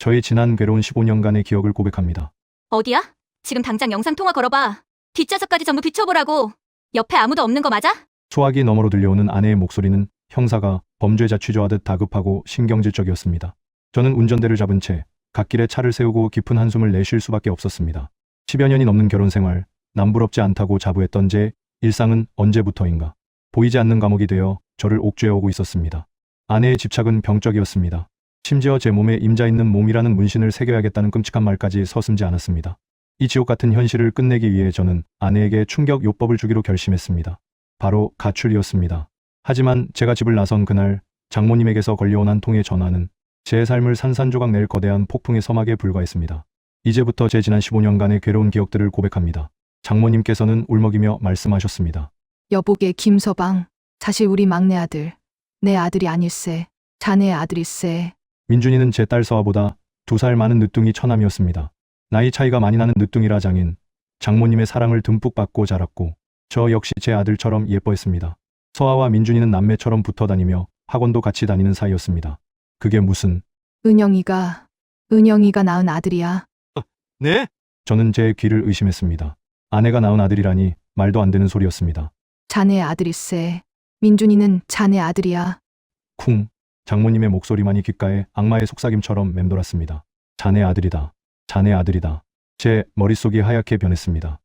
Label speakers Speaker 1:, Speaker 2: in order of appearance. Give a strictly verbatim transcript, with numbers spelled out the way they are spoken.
Speaker 1: 저의 지난 괴로운 십오 년간의 기억을 고백합니다.
Speaker 2: 어디야? 지금 당장 영상통화 걸어봐. 뒷좌석까지 전부 비춰보라고. 옆에 아무도 없는 거 맞아?
Speaker 1: 소화기 너머로 들려오는 아내의 목소리는 형사가 범죄자 취조하듯 다급하고 신경질적이었습니다. 저는 운전대를 잡은 채 갓길에 차를 세우고 깊은 한숨을 내쉴 수밖에 없었습니다. 십여 년이 넘는 결혼 생활, 남부럽지 않다고 자부했던 제 일상은 언제부터인가 보이지 않는 감옥이 되어 저를 옥죄어오고 있었습니다. 아내의 집착은 병적이었습니다. 심지어 제 몸에 임자 있는 몸이라는 문신을 새겨야겠다는 끔찍한 말까지 서슴지 않았습니다. 이 지옥 같은 현실을 끝내기 위해 저는 아내에게 충격 요법을 주기로 결심했습니다. 바로 가출이었습니다. 하지만 제가 집을 나선 그날 장모님에게서 걸려온 한 통의 전화는 제 삶을 산산조각 낼 거대한 폭풍의 서막에 불과했습니다. 이제부터 제 지난 십오 년간의 괴로운 기억들을 고백합니다. 장모님께서는 울먹이며 말씀하셨습니다.
Speaker 3: 여보게 김서방, 사실 우리 막내 아들, 내 아들이 아닐세. 자네의 아들일세.
Speaker 1: 민준이는 제 딸 서아보다 두 살 많은 늦둥이 처남이었습니다. 나이 차이가 많이 나는 늦둥이라 장인, 장모님의 사랑을 듬뿍 받고 자랐고 저 역시 제 아들처럼 예뻐했습니다. 서아와 민준이는 남매처럼 붙어 다니며 학원도 같이 다니는 사이였습니다. 그게 무슨...
Speaker 3: 은영이가, 은영이가 낳은 아들이야.
Speaker 1: 네? 저는 제 귀를 의심했습니다. 아내가 낳은 아들이라니 말도 안 되는 소리였습니다.
Speaker 3: 자네의 아들일세. 민준이는 자네 아들이야.
Speaker 1: 쿵. 장모님의 목소리만이 귓가에 악마의 속삭임처럼 맴돌았습니다. 자네 아들이다. 자네 아들이다. 제 머릿속이 하얗게 변했습니다.